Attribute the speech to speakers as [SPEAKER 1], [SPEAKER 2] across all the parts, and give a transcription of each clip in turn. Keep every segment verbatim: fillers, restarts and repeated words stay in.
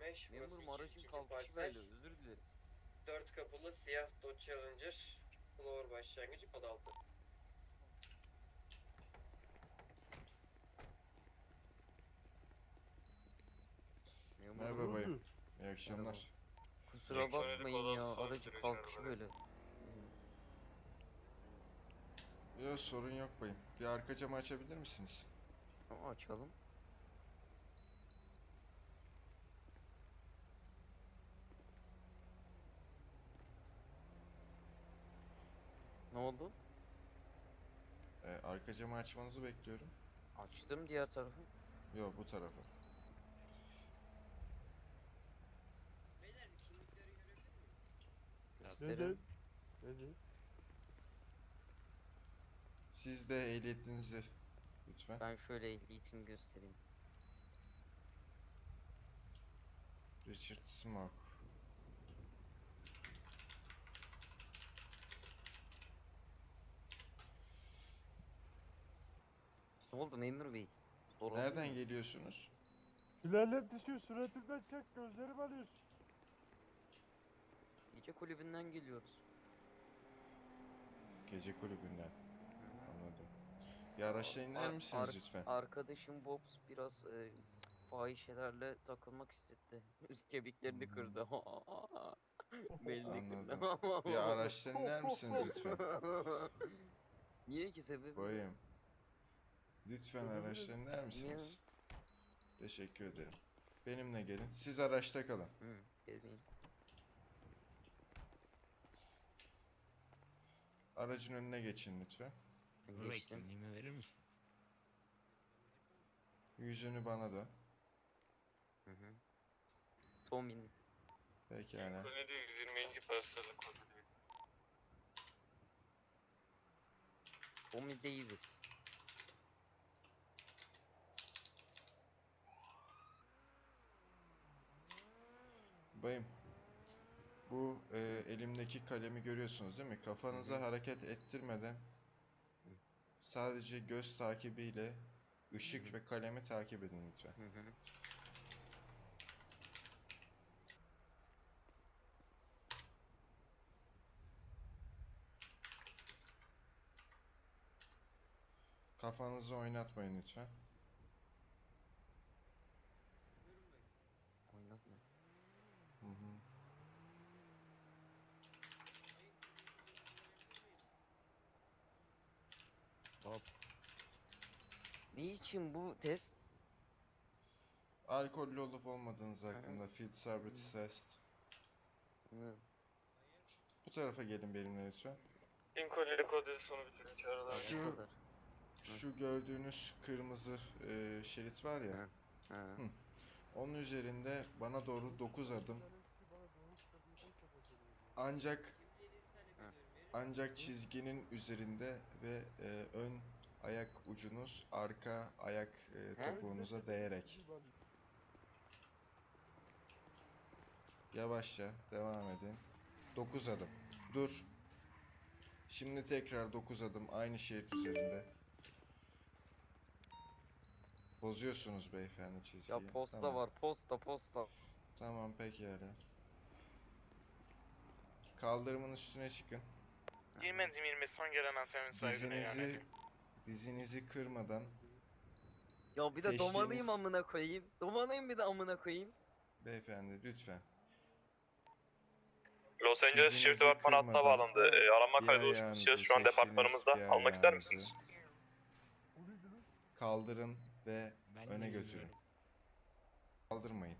[SPEAKER 1] beş.
[SPEAKER 2] Memurum aracın kalkışı böyle, özür dileriz.
[SPEAKER 1] dört kapılı siyah Dodge Challenger. Floor başlangıcı kod altı.
[SPEAKER 2] Memurum.
[SPEAKER 3] Merhaba bayım. İyi akşamlar.
[SPEAKER 2] Kusura bakmayın ya, aracın kalkışı böyle.
[SPEAKER 3] Yok sorun yok bayım. Bir arka camı açabilir misiniz?
[SPEAKER 2] Tamam, açalım. Ne oldu?
[SPEAKER 3] Ee, arka camı açmanızı bekliyorum.
[SPEAKER 2] Açtım diğer tarafı.
[SPEAKER 3] Yok bu tarafa.
[SPEAKER 4] Beyler bir kimlikleri görebilir miyim?
[SPEAKER 2] Gösterin.
[SPEAKER 5] Nedir?
[SPEAKER 3] Siz de ehliyetinizi lütfen.
[SPEAKER 2] Ben şöyle ehliyetini göstereyim.
[SPEAKER 3] Richard Smoke.
[SPEAKER 2] Ne oldu memur bey? Sorun
[SPEAKER 3] Nereden
[SPEAKER 2] değil mi?
[SPEAKER 3] geliyorsunuz?
[SPEAKER 5] Sülalet düşüyor, suratımdan çek, gözlerimi alıyorsun.
[SPEAKER 2] Gece kulübünden geliyoruz.
[SPEAKER 3] Gece kulübünden. Anladım. Bir araçla iner
[SPEAKER 2] Ar-
[SPEAKER 3] misiniz
[SPEAKER 2] ar-
[SPEAKER 3] lütfen?
[SPEAKER 2] Arkadaşım Bobs biraz e, fahişelerle takılmak istedi. Üst kemiklerini
[SPEAKER 3] Hmm.
[SPEAKER 2] kırdı. Belli kırdı.
[SPEAKER 3] Anladım. Bir araçtan iner misiniz lütfen?
[SPEAKER 2] Niye ki, sebebi?
[SPEAKER 3] Bayım. Lütfen
[SPEAKER 5] Sebebi
[SPEAKER 3] araçtan iner misiniz?
[SPEAKER 2] Niye?
[SPEAKER 3] Teşekkür ederim. Benimle gelin. Siz araçta kalın.
[SPEAKER 2] Hı, geleyim.
[SPEAKER 3] Aracın önüne geçin lütfen.
[SPEAKER 2] Ben
[SPEAKER 6] Bey
[SPEAKER 2] geçtim.
[SPEAKER 6] kimliğimi verir misin?
[SPEAKER 3] Yüzünü bana da.
[SPEAKER 2] Hı hı. Tommy'nin.
[SPEAKER 3] Pekala.
[SPEAKER 1] Kulübü yüz yirminci parçalı kodu.
[SPEAKER 2] Tommy Davis.
[SPEAKER 3] Bayım, bu e, elimdeki kalemi görüyorsunuz değil mi? Kafanızı
[SPEAKER 2] Hı hı.
[SPEAKER 3] hareket ettirmeden sadece göz takibiyle ışık
[SPEAKER 2] Hı hı.
[SPEAKER 3] ve kalemi takip edin lütfen.
[SPEAKER 2] Hı hı.
[SPEAKER 3] Kafanızı oynatmayın lütfen.
[SPEAKER 4] Buyurun bayım.
[SPEAKER 2] Oynatma.
[SPEAKER 3] Hı hı.
[SPEAKER 4] Bayım sizin kimlikleri görebilir miyim?
[SPEAKER 6] Hop.
[SPEAKER 2] Niçin bu test?
[SPEAKER 3] Alkollü olup olmadığınız
[SPEAKER 2] Hı.
[SPEAKER 3] hakkında field sobriety test.
[SPEAKER 2] Hı.
[SPEAKER 4] Bayım.
[SPEAKER 3] Bu tarafa gelin benimle lütfen.
[SPEAKER 1] Lincoln'li kodu sonu bitirin çağrılar.
[SPEAKER 2] Ha,
[SPEAKER 3] Şu-
[SPEAKER 2] o kadar.
[SPEAKER 3] Şu gördüğünüz kırmızı e, şerit var ya.
[SPEAKER 2] Hı. Ha.
[SPEAKER 3] Hı. Onun üzerinde bana doğru dokuz adım. Ancak
[SPEAKER 4] Kimliğinizi talep
[SPEAKER 2] Hı.
[SPEAKER 4] ediyorum. Verir misiniz?
[SPEAKER 3] Ancak çizginin üzerinde ve e, ön ayak ucunuz arka ayak e,
[SPEAKER 2] He?
[SPEAKER 3] topuğunuza değerek. Yavaşça devam edin. dokuz adım. Dur. Şimdi tekrar dokuz adım aynı şerit üzerinde. Bozuyorsunuz beyefendi çizgiyi.
[SPEAKER 2] Ya posta
[SPEAKER 3] Tamam.
[SPEAKER 2] var, posta posta.
[SPEAKER 3] Tamam pekala. Kaldırımın üstüne çıkın.
[SPEAKER 1] Girmezim yirmi son gelen antenin sahibine yani.
[SPEAKER 3] Dizinizi dizinizi kırmadan
[SPEAKER 2] Ya bir de domalıyım
[SPEAKER 3] seçtiğiniz
[SPEAKER 2] amına koyayım. Domalıyım bir de amına koyayım.
[SPEAKER 3] beyefendi lütfen.
[SPEAKER 1] Los Angeles
[SPEAKER 3] Dizinizi
[SPEAKER 1] Şehir Departmanı hattına
[SPEAKER 3] kırmadan
[SPEAKER 1] bağlandı. E, aranma
[SPEAKER 3] bir
[SPEAKER 1] kaydı
[SPEAKER 3] ayağınızı,
[SPEAKER 1] oluşturmuşuz. Şu an
[SPEAKER 3] seçtiğiniz
[SPEAKER 1] departmanımızda.
[SPEAKER 3] bir
[SPEAKER 1] Almak ister
[SPEAKER 3] ayağınızı
[SPEAKER 1] misiniz?
[SPEAKER 3] kaldırın ve
[SPEAKER 6] Ben
[SPEAKER 3] öne
[SPEAKER 6] de
[SPEAKER 3] götürün.
[SPEAKER 6] bilmiyorum.
[SPEAKER 3] Kaldırmayın.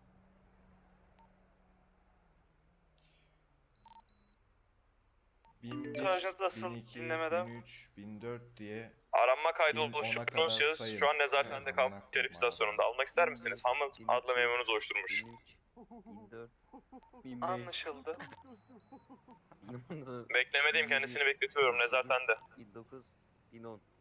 [SPEAKER 3] bin bir,
[SPEAKER 1] Sergeant Russell,
[SPEAKER 3] bin iki,
[SPEAKER 1] dinlemeden.
[SPEAKER 3] bin üç, bin dört diye
[SPEAKER 1] Aranma kaydı
[SPEAKER 3] bin ona
[SPEAKER 1] oluşturduğunuz
[SPEAKER 3] kadar
[SPEAKER 1] şahıs
[SPEAKER 3] sayın.
[SPEAKER 1] şu an nezarethanede
[SPEAKER 3] Aman
[SPEAKER 1] kalmış
[SPEAKER 3] Allah'ım.
[SPEAKER 1] şerif istasyonunda. Almak ister misiniz? Hammond
[SPEAKER 2] bin
[SPEAKER 1] adlı
[SPEAKER 2] iki,
[SPEAKER 1] memurunuz oluşturmuş.
[SPEAKER 2] bin üç, bin dört, bin beş,
[SPEAKER 1] Anlaşıldı.
[SPEAKER 2] bin on,
[SPEAKER 1] Beklemedeyim, kendisini bekletiyorum
[SPEAKER 2] bin sekiz,
[SPEAKER 1] nezarethanede.
[SPEAKER 2] bin dokuz, bin on.